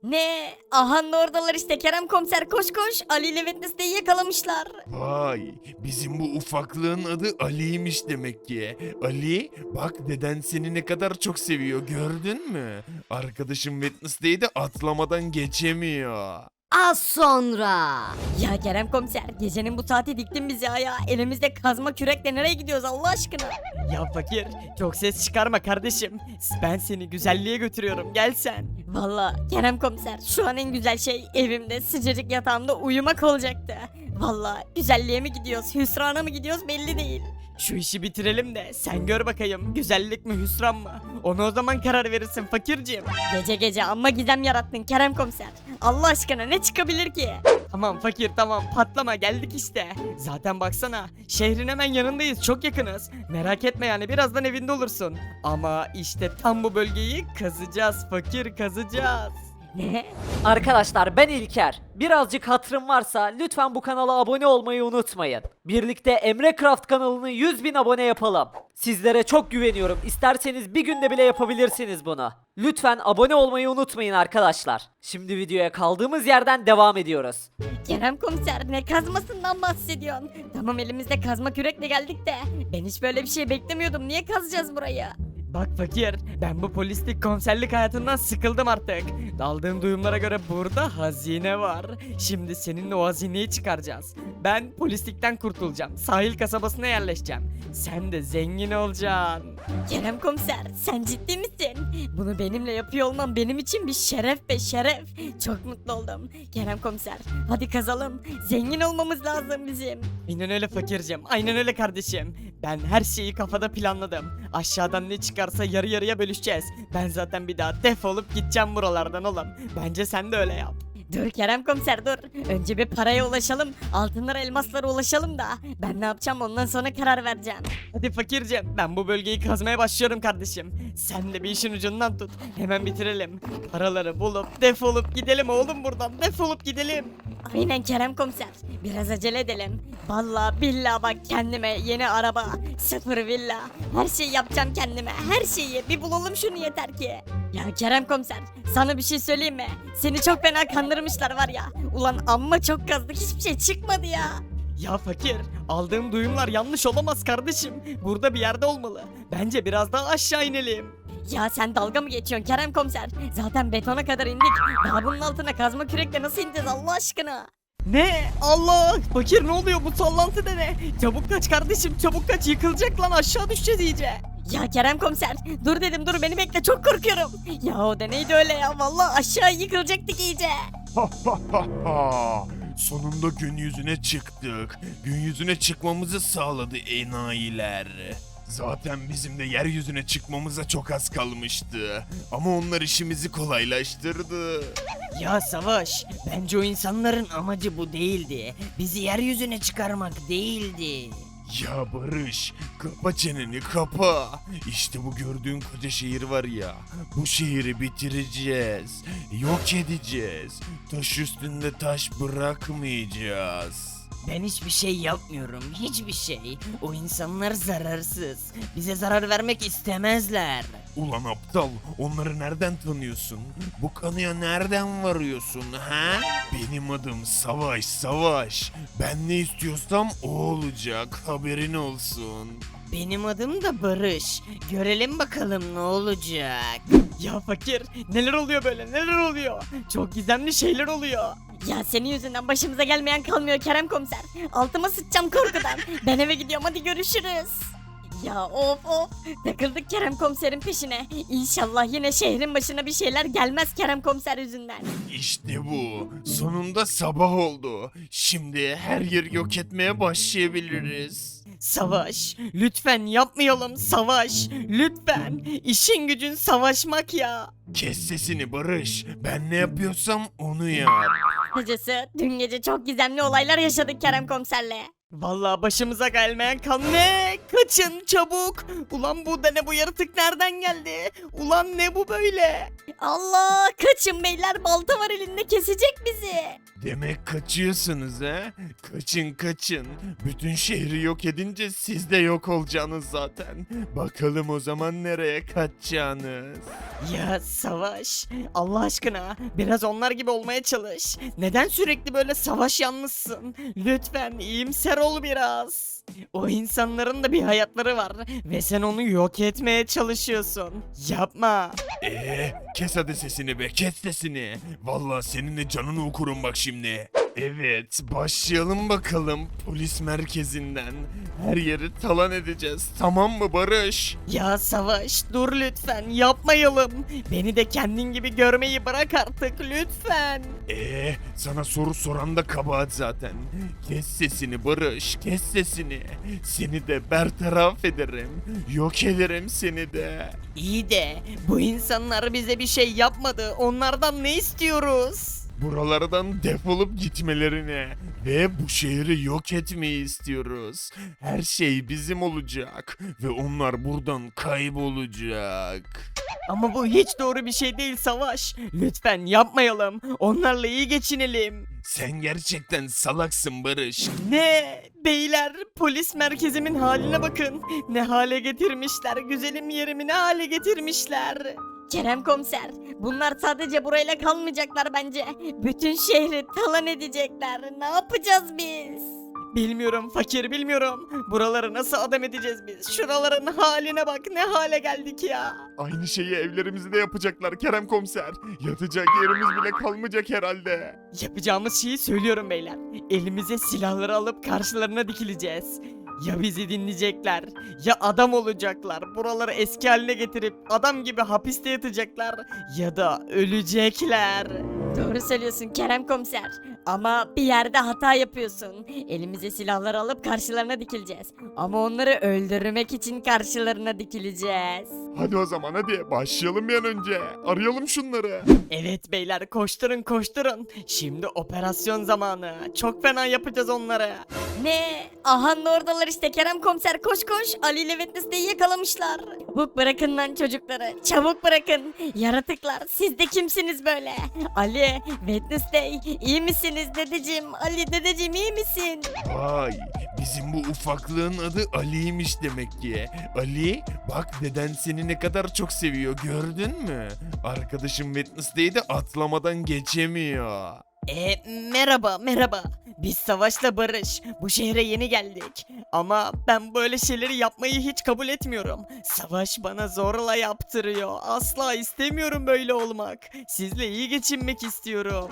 Ne? Aha oradalar işte Kerem komiser koş koş. Ali ile Wednesday'i yakalamışlar. Vay, bizim bu ufaklığın adı Ali'ymiş demek ki. Ali, bak deden seni ne kadar çok seviyor gördün mü? Arkadaşım Wednesday'i de atlamadan geçemiyor. Az sonra. Ya Kerem komiser gecenin bu saati diktin bizi ya. Elimizde kazma kürekle nereye gidiyoruz Allah aşkına? Ya fakir çok ses çıkarma kardeşim. Ben seni güzelliğe götürüyorum gel sen. Valla Kerem komiser şu an en güzel şey evimde sıcacık yatağımda uyumak olacaktı. Valla güzelliğe mi gidiyoruz hüsrana mı gidiyoruz belli değil. Şu işi bitirelim de sen gör bakayım güzellik mi hüsran mı? Onu o zaman karar verirsin fakirciğim. Gece gece amma gizem yarattın Kerem komiser. Allah aşkına ne çıkabilir ki? Tamam fakir tamam patlama geldik işte. Zaten baksana şehrin hemen yanındayız çok yakınız. Merak etme yani birazdan evinde olursun. Ama işte tam bu bölgeyi kazacağız fakir kazacağız. Ne? Arkadaşlar ben İlker. Birazcık hatırım varsa lütfen bu kanala abone olmayı unutmayın. Birlikte Emre Craft kanalını 100.000 abone yapalım. Sizlere çok güveniyorum. İsterseniz bir günde bile yapabilirsiniz bunu. Lütfen abone olmayı unutmayın arkadaşlar. Şimdi videoya kaldığımız yerden devam ediyoruz. Kerem komiser ne kazmasından bahsediyorsun? Tamam elimizde kazma kürekle geldik de ben hiç böyle bir şey beklemiyordum. Niye kazacağız burayı? Bak fakir, ben bu polislik komiserlik hayatından sıkıldım artık. Aldığım duyumlara göre burada hazine var. Şimdi seninle o hazineyi çıkaracağız. Ben polislikten kurtulacağım. Sahil kasabasına yerleşeceğim. Sen de zengin olacaksın. Kerem komiser sen ciddi misin? Bunu benimle yapıyor olman benim için bir şeref be şeref. Çok mutlu oldum. Kerem komiser hadi kazalım. Zengin olmamız lazım bizim. Aynen öyle fakircim, aynen öyle kardeşim. Ben her şeyi kafada planladım. Aşağıdan ne çıkarsa yarı yarıya bölüşeceğiz. Ben zaten bir daha defolup gideceğim buralardan oğlum. Bence sen de öyle yap. Dur Kerem komiser dur. Önce bir paraya ulaşalım. Altınlara elmaslara ulaşalım da. Ben ne yapacağım ondan sonra karar vereceğim. Hadi fakircim ben bu bölgeyi kazmaya başlıyorum kardeşim. Sen de bir işin ucundan tut. Hemen bitirelim. Paraları bulup defolup gidelim oğlum buradan. Defolup gidelim. Aynen Kerem komiser. Biraz acele edelim. Vallahi billahi bak kendime yeni araba, sıfır villa. Her şeyi yapacağım kendime. Her şeyi. Bir bulalım şunu yeter ki. Ya Kerem komiser sana bir şey söyleyeyim mi? Seni çok fena kandırmışlar var ya. Ulan amma çok kazdık hiçbir şey çıkmadı ya. Ya fakir aldığım duyumlar yanlış olamaz kardeşim. Burada bir yerde olmalı. Bence biraz daha aşağı inelim. Ya sen dalga mı geçiyorsun Kerem komiser? Zaten betona kadar indik. Daha bunun altına kazma kürekle nasıl ineceğiz Allah aşkına? Ne? Allah! Fakir ne oluyor bu sallantı da ne? Çabuk kaç kardeşim çabuk kaç yıkılacak lan aşağı düşeceğiz iyice. Ya Kerem komiser dur dedim dur beni bekle çok korkuyorum. Ya o da neydi öyle ya vallahi aşağı yıkılacaktık iyice. Sonunda gün yüzüne çıktık. Gün yüzüne çıkmamızı sağladı enayiler. Zaten bizim de yeryüzüne çıkmamıza çok az kalmıştı. Ama onlar işimizi kolaylaştırdı. Ya Savaş, bence o insanların amacı bu değildi. Bizi yeryüzüne çıkarmak değildi. Ya Barış, kapa çeneni kapa. İşte bu gördüğün koca şehir var ya, bu şehri bitireceğiz. Yok edeceğiz. Taş üstünde taş bırakmayacağız. Ben hiçbir şey yapmıyorum, hiçbir şey. O insanlar zararsız. Bize zarar vermek istemezler. Ulan aptal, onları nereden tanıyorsun? Bu kanıya nereden varıyorsun ha? Benim adım Savaş Savaş. Ben ne istiyorsam o olacak, haberin olsun. Benim adım da Barış. Görelim bakalım ne olacak. Ya fakir, neler oluyor böyle, neler oluyor? Çok gizemli şeyler oluyor. Ya senin yüzünden başımıza gelmeyen kalmıyor Kerem komiser. Altıma sıçacağım korkudan. Ben eve gidiyorum hadi görüşürüz. Ya of takıldık Kerem komiserin peşine. İnşallah yine şehrin başına bir şeyler gelmez Kerem komiser yüzünden. İşte bu. Sonunda sabah oldu. Şimdi her yeri yok etmeye başlayabiliriz. Savaş, lütfen yapmayalım Savaş. Lütfen, işin gücün savaşmak ya. Kes sesini Barış. Ben ne yapıyorsam onu yap. Kısacası dün gece çok gizemli olaylar yaşadık Kerem komiserle. Vallahi başımıza gelmeyen ne? Kaçın çabuk. Ulan bu da ne, bu yaratık nereden geldi? Ulan ne bu böyle? Allah, kaçın beyler, balta var elinde, kesecek bizi. Demek kaçıyorsunuz ha? Kaçın kaçın. Bütün şehri yok edince siz de yok olacaksınız zaten. Bakalım o zaman nereye kaçacaksınız? Ya Savaş, Allah aşkına biraz onlar gibi olmaya çalış. Neden sürekli böyle savaş yanlısın? Lütfen iyimser ol biraz. O insanların da bir hayatları var ve sen onu yok etmeye çalışıyorsun. Yapma. Kes hadi sesini be, kes sesini. Vallahi senin de canını okurum bak şimdi. Evet, başlayalım bakalım polis merkezinden. Her yeri talan edeceğiz, tamam mı Barış? Ya Savaş, dur lütfen, yapmayalım. Beni de kendin gibi görmeyi bırak artık lütfen. Sana soru soran da kabahat zaten. Kes sesini Barış, kes sesini. Seni de bertaraf ederim. Yok ederim seni de. İyi de bu insanlar bize bir şey yapmadı. Onlardan ne istiyoruz? Buralardan defolup gitmelerini ve bu şehri yok etmeyi istiyoruz. Her şey bizim olacak ve onlar buradan kaybolacak. Ama bu hiç doğru bir şey değil Savaş. Lütfen yapmayalım. Onlarla iyi geçinelim. Sen gerçekten salaksın Barış. Ne? Beyler, polis merkezimin haline bakın. Ne hale getirmişler. Güzelim yerimi ne hale getirmişler. Kerem komiser, bunlar sadece burayla kalmayacaklar bence. Bütün şehri talan edecekler. Ne yapacağız biz? Bilmiyorum fakir, bilmiyorum. Buraları nasıl adam edeceğiz biz? Şuraların haline bak, ne hale geldik ya. Aynı şeyi evlerimizde yapacaklar Kerem Komiser. Yatacak yerimiz bile kalmayacak herhalde. Yapacağımız şeyi söylüyorum beyler. Elimize silahları alıp karşılarına dikileceğiz. Ya bizi dinleyecekler, ya adam olacaklar. Buraları eski haline getirip adam gibi hapiste yatacaklar. Ya da ölecekler. Doğru söylüyorsun Kerem komiser. Ama bir yerde hata yapıyorsun. Elimize silahları alıp karşılarına dikileceğiz. Ama onları öldürmek için karşılarına dikileceğiz. Hadi o zaman hadi başlayalım bir an önce. Arayalım şunları. Evet beyler, koşturun koşturun. Şimdi operasyon zamanı. Çok fena yapacağız onları. Ne? Aha oradalar işte Kerem komiser, koş koş. Ali ile Wednesday'i yakalamışlar. Çabuk bırakın lan çocukları. Çabuk bırakın. Yaratıklar, siz de kimsiniz böyle? Ali, Wednesday, iyi misiniz dedeciğim? Ali dedeciğim, iyi misin? Vay, bizim bu ufaklığın adı Ali'ymiş demek ki. Ali, bak deden seni ne kadar çok seviyor, gördün mü? Arkadaşım Wednesday'i de atlamadan geçemiyor. Merhaba merhaba. Biz Savaş'la Barış. Bu şehre yeni geldik. Ama ben böyle şeyleri yapmayı hiç kabul etmiyorum. Savaş bana zorla yaptırıyor. Asla istemiyorum böyle olmak. Sizle iyi geçinmek istiyorum.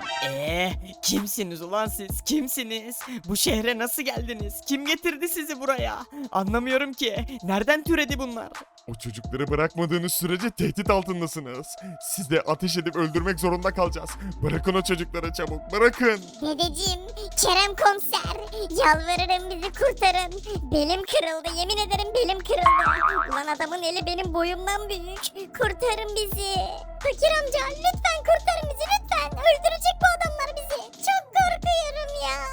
Kimsiniz ulan siz? Kimsiniz? Bu şehre nasıl geldiniz? Kim getirdi sizi buraya? Anlamıyorum ki. Nereden türedi bunlar? O çocukları bırakmadığınız sürece tehdit altındasınız. Siz de ateş edip öldürmek zorunda kalacağız. Bırakın o çocukları çabuk, bırakın. Dedeciğim, Kerem komiser, yalvarırım bizi kurtarın. Belim kırıldı, yemin ederim belim kırıldı. Ulan adamın eli benim boyumdan büyük. Kurtarın bizi. Fakir amca, lütfen kurtarın bizi lütfen. Öldürecek bu adamlar bizi. Çok korkuyorum ya.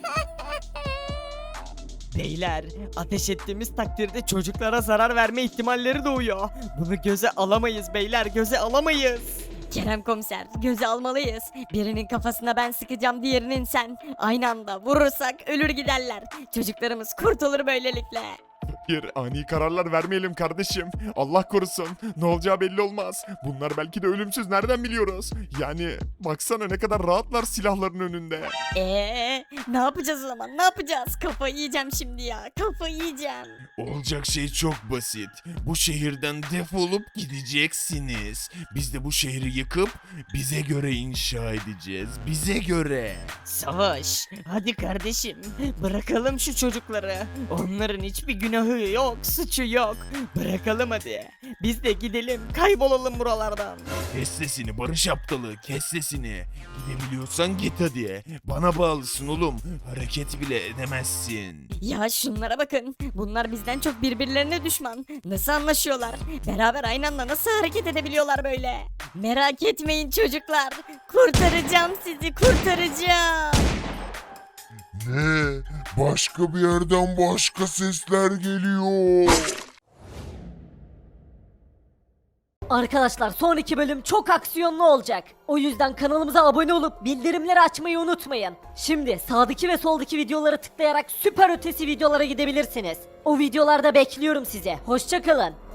Beyler, ateş ettiğimiz takdirde çocuklara zarar verme ihtimalleri doğuyor. Bunu göze alamayız beyler, göze alamayız. Kerem komiser, göze almalıyız. Birinin kafasına ben sıkacağım, diğerinin sen. Aynı anda vurursak ölür giderler. Çocuklarımız kurtulur böylelikle. Hayır, ani kararlar vermeyelim kardeşim. Allah korusun. Ne olacağı belli olmaz. Bunlar belki de ölümsüz, nereden biliyoruz? Yani baksana ne kadar rahatlar silahların önünde. Ne yapacağız o zaman? Ne yapacağız? Kafayı yiyeceğim şimdi ya. Kafayı yiyeceğim. Olacak şey çok basit. Bu şehirden defolup gideceksiniz. Biz de bu şehri yıkıp bize göre inşa edeceğiz. Bize göre. Savaş, hadi kardeşim, bırakalım şu çocukları. Onların hiçbir günahı yok, suçu yok. Bırakalım hadi. Biz de gidelim, kaybolalım buralardan. Kes sesini Barış aptalı, kes sesini. Gidebiliyorsan git hadi. Bana bağlısın oğlum. Hareket bile edemezsin. Ya şunlara bakın. Bunlar bizden çok birbirlerine düşman. Nasıl anlaşıyorlar? Beraber aynı anda nasıl hareket edebiliyorlar böyle? Merak etmeyin çocuklar. Kurtaracağım sizi, kurtaracağım. Ne? Başka bir yerden başka sesler geliyor. Arkadaşlar sonraki bölüm çok aksiyonlu olacak. O yüzden kanalımıza abone olup bildirimleri açmayı unutmayın. Şimdi sağdaki ve soldaki videoları tıklayarak süper ötesi videolara gidebilirsiniz. O videolarda bekliyorum sizi. Hoşça kalın.